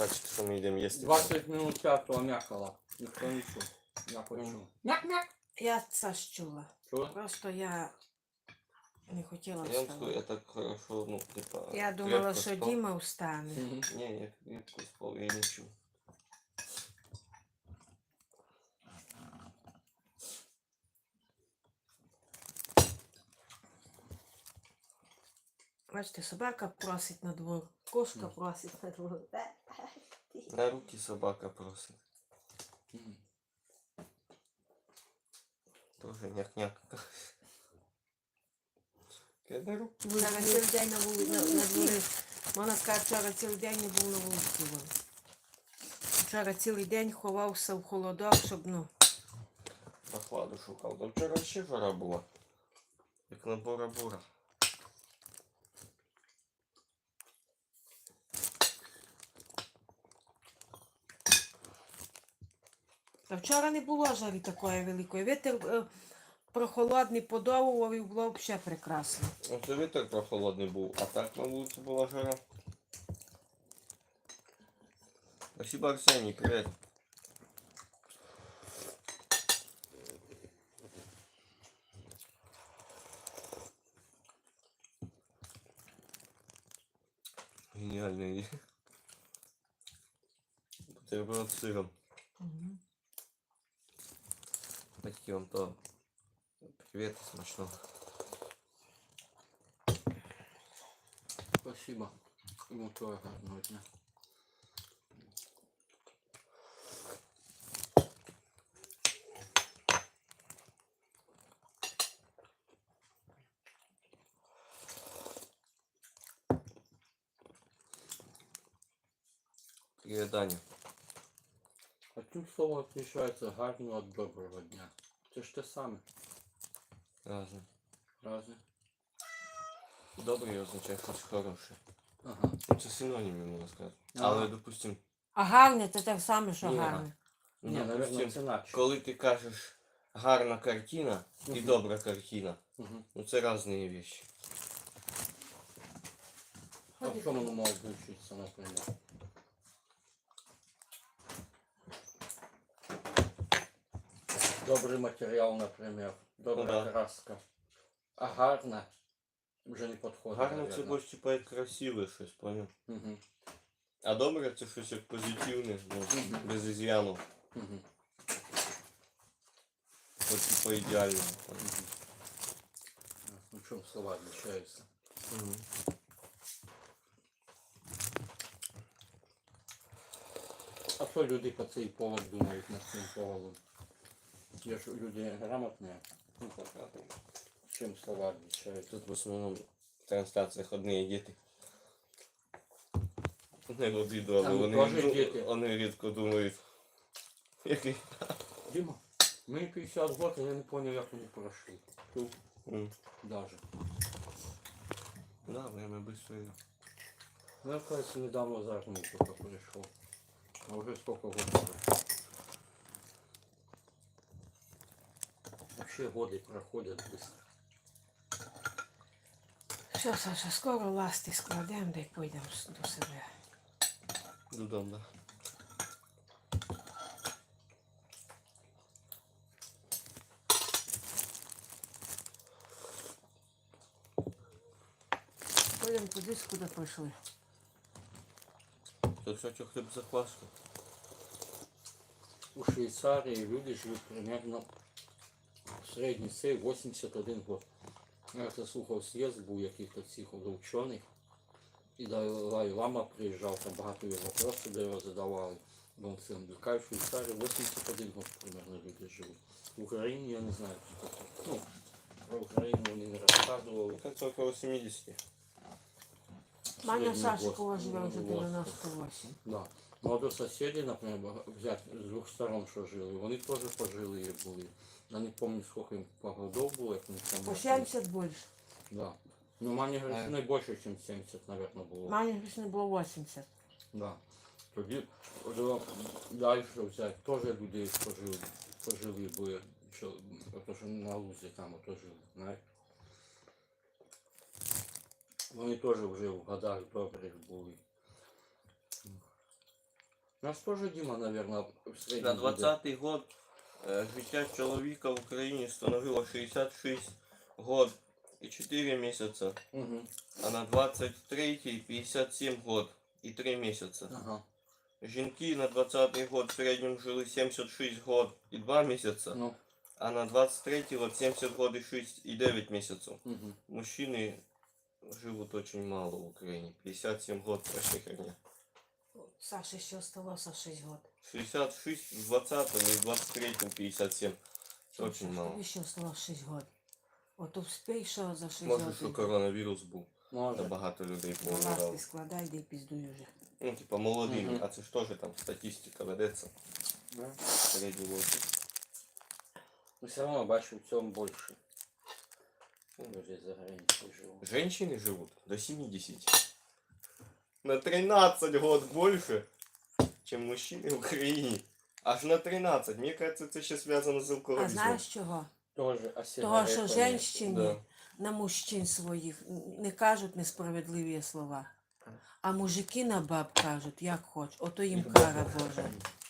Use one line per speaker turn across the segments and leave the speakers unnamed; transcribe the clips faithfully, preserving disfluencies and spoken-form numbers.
бачите, що ми йдемо їсти.
двадцять минут п'ятого м'якала. Ніхто не чув. Я почув. Мяк-мяк.
Я це ж чула.
Чула?
Просто я не хотіла
Я вам скажу, я
вставати.
так хорошо, ну, типа...
Я думала,
крепко
що
спав.
Діма встане.
Мгм.
Ні, я крепко спав, я не чув.
Бачите, собака просить на двор, кошка
Мгм.
просить на двор.
На руки собака просить.
Мгм.
Тоже няк-няк. На руки.
Вчора цілий день на вулиці, на, на дворі. Вона каже, вчора цілий день не був на вулиці. Вон. Вчора цілий день ховався в холодок, щоб, ну,
Прохладу шукав. Та вчора ще жара була. Як на Бора-Бора.
а вчора не було жари такої великої. Вітер е, прохолодний подовував і було взагалі прекрасно.
Оце вітер прохолодний був, а так на вулиці була жара. Спасибо, Арсеній, привіт. Геніальний. Бутерброд з сиром.
Угу.
Батьки вам то. Привіт, смачного.
Спасибо. Йому того гарного дня.
Привіт, Даня.
А чим слово відрізняється гарного від доброго дня? Це ж те саме.
Разне.
Разве?
Добрий означає щось хороше.
Ага.
Ну, це синоніми, можна сказати.
Ага.
Але, допустим,
А гарне це те саме, що
Ні.
гарне.
Ні,
ну,
наверное,
допустим,
це наче.
коли ти кажеш гарна картина і
Мгм.
добра картина,
Угу.
ну це різні речі.
А в чому воно може включитися, наприклад? Добрий матеріал, наприклад. Добра
Ну да.
краска. А гарна вже не підходить.
Гарно це більше типа як красиве щось, поняв?
Угу.
А добре це щось як позитивне, ну,
Мгм.
без із'яну.
Угу.
От типа ідеально. поняв?
Ну, в чому слова відрізняються?
Мгм.
А що люди по цей повод думають над цим поводом? Є ж люди грамотні.
Ну, так, так.
Чим слова відрізняються?
Тут в основному в трансляціях одні діти. Не відео,
А,
але
ну,
вони,
теж
ду-
діти.
вони рідко думають. Який?
Дима, мені п'ятдесят років, я не зрозумів, як вони пройшли. Тут
М.
даже.
Да, время быстро идет.
Ну, я, кажется, недавно за армию только пришел. А уже сколько год прошло. Вообще годы проходят быстро.
Що, Саша, скоро ласти складемо, да й поїдемо с- до себе.
Додому, да.
Поїдемо туди, куди прийшли.
Тут, кстати, хлеб закваска.
У Швейцарии люди живут примерно в средній цей вісімдесят один год. Я це слухав з'їзд був яких-то цих учених. І Далай Лама приїжджав, там багато його вопросів до його задавали. Бо це в Швейцарії вісімдесят один год примерно люди живуть. В Україні я не знаю, що таке. Ну, про Україну вони не розказували.
Это около семидесяти.
Маня
Средний
Сашкова
возраст,
живе вже
возраст.
дев'яносто вісім.
Да. Ну, а до сусідів, наприклад, взяти з двох сторон, що жили, вони теж пожилі були. Я не пам'ятаю, скільки їм по годов було, як вони там.
По сімдесят більше.
Да. Ну, Мані Гришини більше, ніж сімдесят, мабуть, було.
Маня не було вісімдесят.
Да. Тоді о, далі взяти, теж людей пожили, пожили були, що, ото, що на лузі там ото жили, знаєш. Вони теж вже в годах добрих були. У нас тоже Дима, наверное, в
На
среднем буде.
двадцятий год е, життя чоловіка в Україні становило шістдесят шість год і чотири місяці,
Угу.
а на двадцять третій п'ятдесят сім год і три місяці.
Ага.
Жінки на двадцятий год в середньому жили сімдесят шість год і два місяці,
Ну.
а на двадцять третій год сімдесят год і шість і дев'ять місяців.
Угу.
Мужчины живут очень мало в Украине. п'ятдесят сім год вообще херня.
Саше ще осталося шість років.
шістдесят шість в двадцятом и в двадцать третьем пятьдесят семь. Это очень мало.
Тобі ще осталося шість років. Ото вспій, що за шість
Може,
років.
що коронавірус був. Та
Може.
багато людей
Ласти
помирало.
складай, де піздуй уже.
Ну, типа молодими,
Мгм.
а це ж теж там статистика ведеться.
Да.
Середній возраст.
Но все равно бачу в цьому більше. Люди за границей живуть.
Женщины живут до семидесяти. На тринадцать год больше, чем мужчины в Украине. Аж на тринадцать. Мне кажется, это ще связано з
А
алкоголізмом.
знаєш чого?
Тоже, а
Того, що
сигарети?
жінщині
Да.
на мужчин своїх не кажуть несправедливі слова. А мужики на баб кажуть, як хоч. Ото їм кара Божа.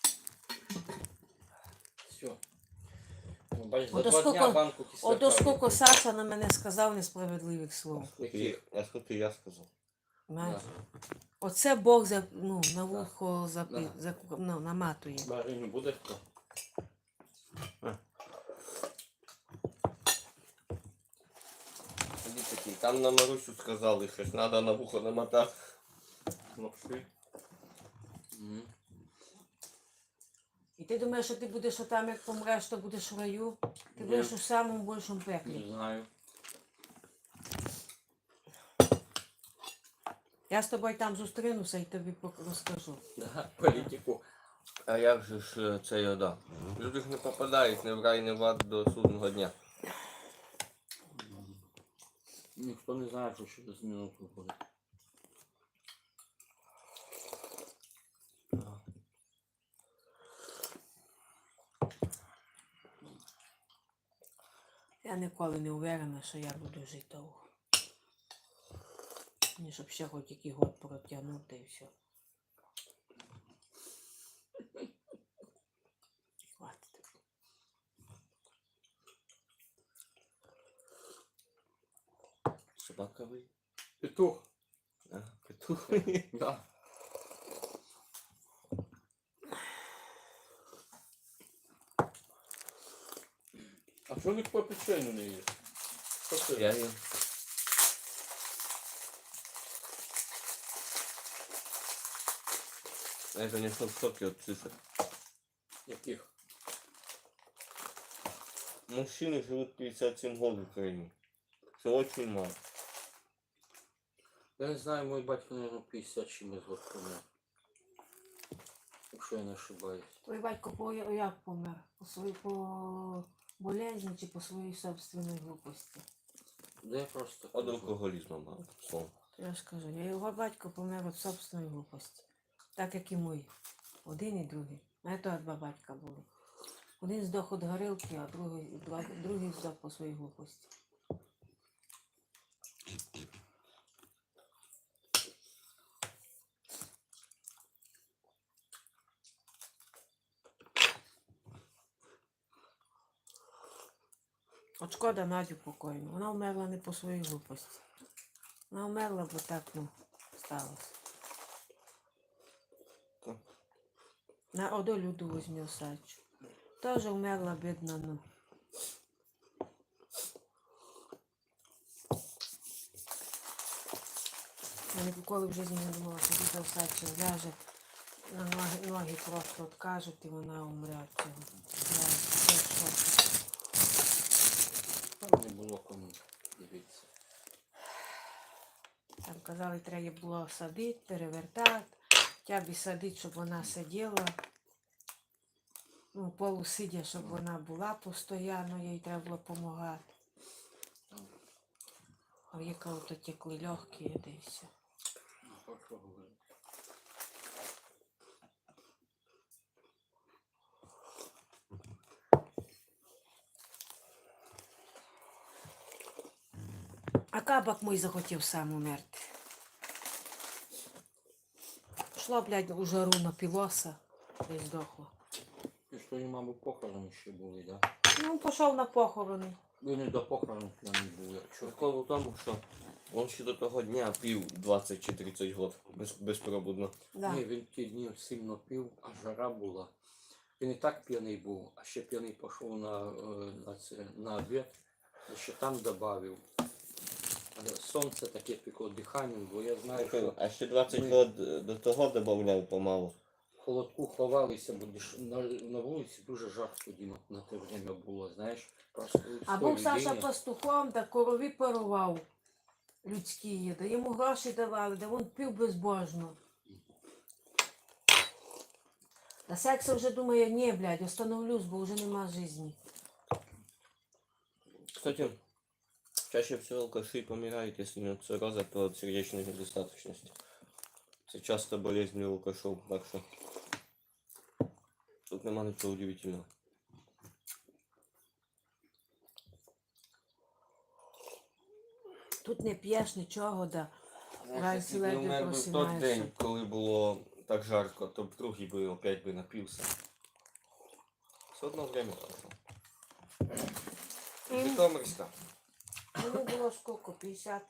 Все. Ну, бач, за
Ото
два дня
скільки-
банку кисляка.
Ото скільки
випив.
Саша на мене сказав несправедливих слов.
І, а скільки я сказав?
Знаєш?
Да.
Оце Бог за, ну, на вухо запи,
Да.
за, ну, наматує.
Бариню буде хто?
Тоді такі, там на Марусю сказали щось, треба на вухо намотати.
Лапши. Мгм.
І ти думаєш, що ти будеш отам, як помреш, то будеш в раю? Ти
Ні.
будеш у самому більшому пеклі.
Не знаю.
Я з тобою там зустрінуся і тобі пок- розкажу.
Да, політику.
А як же ж е, це я да? Люди ж не попадають не в рай, не в ад до судного дня.
Ніхто не знає, що через минуту буде.
Я ніколи не уверена, що я буду жити довго. Мені щоб ще хоч який год протягнути і все. Хватить.
Собака ви?
Петух.
А, петух.
Да. А що ніхто печеню не їсть? Що це?
Я їм. Я, конечно, в шоке от цифр.
Яких?
Мужчины живут пятьдесят семь год в Украине. Это очень мало.
Я не знаю, мой батько, наверное, п'ятдесят чимось год помер. Якщо я не ошибаюсь.
Твій батько по як помер? По своїй по болезні чи по своїй собственній глупості?
Да я просто
От
кажу.
алкоголизма мало. Словом.
Я ж кажу, я його батько помер від собственної глупості. Так як і мій. Один і другий. А то два батька були. Один здох від горілки, а другий, два- другий здох по своїй глупості. От шкода Надю покойну. Вона вмерла не по своїй глупості. Вона вмерла, бо так, ну, сталося.
Так.
На одну люду возьму Сачу. Тоже вмерла, бідна, ну. Я ніколи в житті не думала, що діда Сача ляже, на ноги, ноги просто откажуть і вона умре від цього. Я я в шокі.
Там не було кому дивитися.
Там казали, треба було садити, перевертати, тябі садити, щоб вона сиділа. Ну, полусидя, щоб вона була постійно, їй треба було допомагати. А в яка ото текли легкі, і і все.
Ну, про що говорити? А
А кабак мій захотів сам умерти. пішло, блядь, у жару напилося. І здохло.
І що і, мабуть, похорони ще були, да?
Ну, пішов на похорони.
Ви не до похорону п'яний був, якщо.
Прикол у тому, що він ще до того дня пів двадцять чи тридцять год без, безпробудно.
Да.
Ні, він ті дні сильно пив, а жара була. Він і так п'яний був, а ще п'яний пішов на, е, на, це, на обід, і ще там додав. Сонце таке пекло диханням, бо я знаю, що
А ще двадцять
ми-
год до того додавав помалу.
в холодку ховалися, бо диш- на, на вулиці дуже жарко тоді на, на те время було, знаєш. Просто
А
в
був
той
Саша
людині-
пастухом, та корові парував людські, да йому гроші давали, да він пив безбожно. Та секса вже думає, ні, блядь, остановлюсь, бо вже нема житті.
Кстати, чаще всего алкаши помирают, если нет цирроза от сердечной недостаточности. Это часто болезнь у алкашов, так что тут нема ничего удивительного.
Тут не п'єш нічого, да.
Знаєш,
Рай
якщо б я
ледве
вмер би в той
просинаєшся.
день, коли було так жарко, то б другий би опять би напився. Все одно время прошло. Житомирська.
Мені було скільки, п'ятдесят.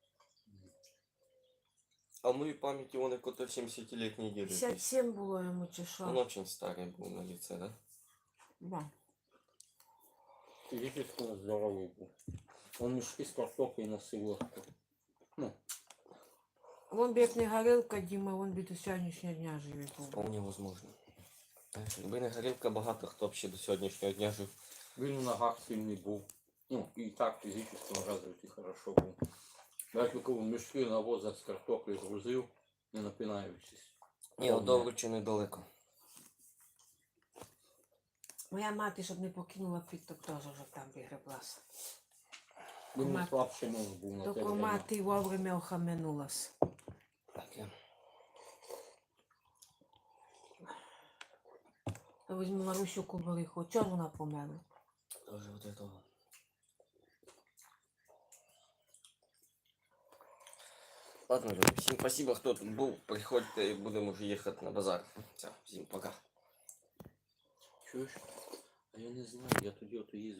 А в моей памяти он какой-то семидесятилетний дед.
п'ятдесят сім було йому чи
Он
що.
очень старый был на лице, да?
Да.
Физически здоровий був. Он мішки з картоплею носив легко. Ну,
Вон б як не горілка, Діма, вон би до сьогоднішнього дня живе був.
Вполне возможно. Знаєш, якби не горілка, багато хто б ще до сьогоднішнього дня жив.
він у ногах сильний був. Ну, і так фізично розвитий хорошо був. Навіть коли мішки на возах з картоплею грузив, не напинаючись.
Ні, от до Овруча недалеко.
Моя мати, щоб не покинула підток, теж вже там вигреблася.
Він не
Мат-
слабший муж був на те
Тільки
время.
мати вовремя охаменулась.
Так, я.
Я візьму Марусю Кубариху. Чого вона померла?
Тоже вот этого. Ладно, люди, всім спасибо, хто тут був. Приходьте, будемо вже їхати на базар. Все, всім пока.
Чуєш? А я не знаю, я тоді ото їздив.